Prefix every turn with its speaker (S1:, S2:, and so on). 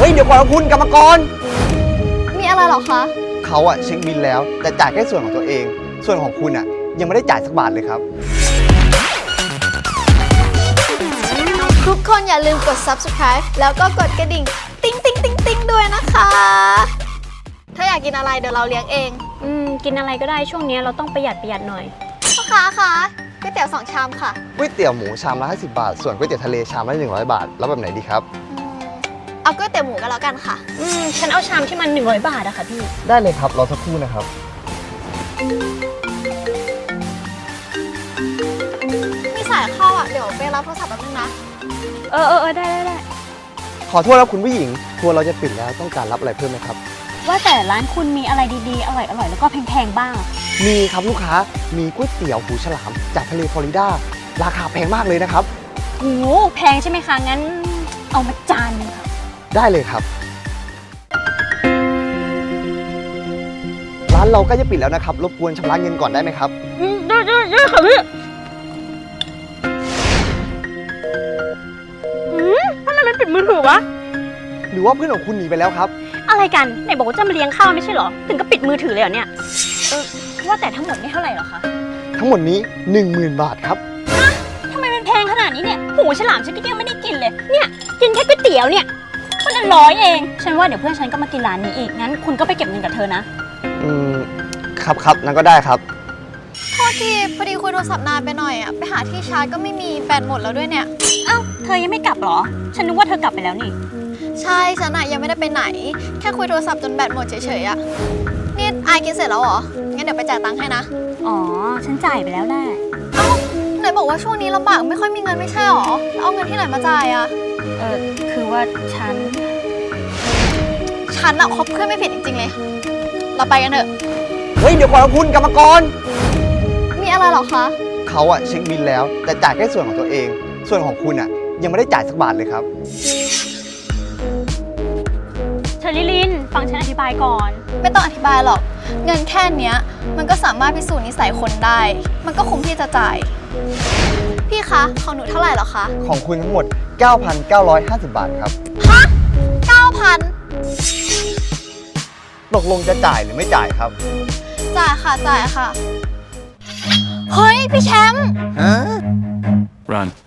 S1: ฮ้ยเดี๋ยวก่อนนะคุณกรรมกร
S2: มีอะไรหรอคะ
S1: เขาอะเช็คบิลแล้วแต่จ่ายแค่ส่วนของตัวเองส่วนของคุณอะยังไม่ได้จ่ายสักบาทเลยครับ
S2: ทุกคนอย่าลืมกด subscribe แล้วก็กดกระดิ่งติ๊งติ๊งติ๊งติ๊งด้วยนะคะ ถ้าอยากกินอะไรเดี๋ยวเราเลี้ยงเอง
S3: กินอะไรก็ได้ช่วงนี้เราต้องประหยัดหน่อย
S2: พ่อค้าคะก๋วยเตี๋ยว2 ชามค่ะ
S1: ก๋วยเตี๋ยวหมูชามละ50 บาทส่วนก๋วยเตี๋ยวทะเลชามละ100 บาทแล้วแบบไหนดีครับ
S2: เอาก๋วยเตี๋ยวหมูก็แล้วกันค่ะ
S3: ฉันเอาชามที่มัน100 บาทอะค่ะพี่
S1: ได้เลยครับรอสักครู่นะครับ
S2: มีสายเข้าอ่ะเดี๋ยวไปรับโทรศัพท์แป๊บนึงนะ
S3: ได้
S1: ขอโทษครับคุณผู้หญิงทัวร์เราจะปิดแล้วต้องการรับอะไรเพิ่มไหมครับ
S3: ว่าแต่ร้านคุณมีอะไรดีๆอร่อยแล้วก็แพงๆบ้าง
S1: มีครับลูกค้ามีก๋วยเตี๋ยวหูฉลามจากทะเลฟลอริดาราคาแพงมากเลยนะครับ
S3: โอ้แพงใช่ไหมคะงั้นเอามาจานนึงค่ะ
S1: ได้เลยครับร้านเราก็จะปิดแล้วนะครับรบกวนชำระเงินก่อนได้ไหมครับ
S3: ได้ค่ะพี่ทำไมมันปิดมือถือวะ
S1: หรือว่าเพื่อนของคุณหนีไปแล้วครับ
S3: อะไรกันไหนบอกว่าจะมาเลี้ยงข้าวไม่ใช่เหรอถึงก็ปิดมือถือเลยเหรอเนี่ยว่าแต่ทั้งหมดนี่เท่าไหร่เหรอคะ
S1: ทั้งหมดนี้ 10,000 บาทครับ
S3: ทำไมมันแพงขนาดนี้เนี่ยหูฉลามฉันก็ยังไม่ได้กินเลยเนี่ยกินแค่ก๋วยเตี๋ยวเนี่ยคนละ100เองฉันว่าเดี๋ยวเพื่อนฉันก็มากินร้านนี้อีกงั้นคุณก็ไปเก็บเงินกับเธอนะครับ
S1: นั่นก็ได้ครับ
S2: โทษทีพอดีคุยโทรศัพท์นานไปหน่อยอ่ะไปหาที่ชาร์จก็ไม่มีแบตหมดแล้วด้วยเนี่ย
S3: เอ้าเธอยังไม่กลับเหรอฉันนึกว่าเธอกลับไปแล้วนี่
S2: ใช่ฉันอะยังไม่ได้ไปไหนแค่คุยโทรศัพท์จนแบตหมดเฉยๆอะนี่อายกินเสร็จแล้วเหรองั้นเดี๋ยวไปจ่ายตังค์ให้นะ
S3: อ๋อฉันจ่ายไปแล้วแหละ
S2: เอ้าไหนบอกว่าช่วงนี้ลำบากไม่ค่อยมีเงินไม่ใช่หรอแล้วเอาเงินที่ไหนมาจ่ายอะ
S3: คือว่าฉัน
S2: อะคบเพื่อนไม่ผิดจริงๆเลยเราไปกันเถอะ
S1: เฮ้ยเดี๋ยวก่อนนะคุณกรรมกร
S2: มีอะไรหรอคะ
S1: เขาอะเช็คบิลแล้วแต่จ่ายแค่ส่วนของตัวเองส่วนของคุณอะยังไม่ได้จ่ายสักบาทเลยครับ
S3: เชอรี่ลินฟังฉันอธิบายก่อน
S2: ไม่ต้องอธิบายหรอกเงินแค่เนี้ยมันก็สามารถพิสูจน์นิสัยคนได้มันก็คุ้มที่จะจ่ายพี่คะของหนูเท่าไหร่หรอคะ
S1: ของคุณทั้งหมด 9,950 บาทครับ
S2: ฮะ 9,000
S1: ตกลงจะจ่ายหรือไม่จ่ายครับ
S2: จ่ายค่ะเฮ้ยพี่แชมป์
S4: Run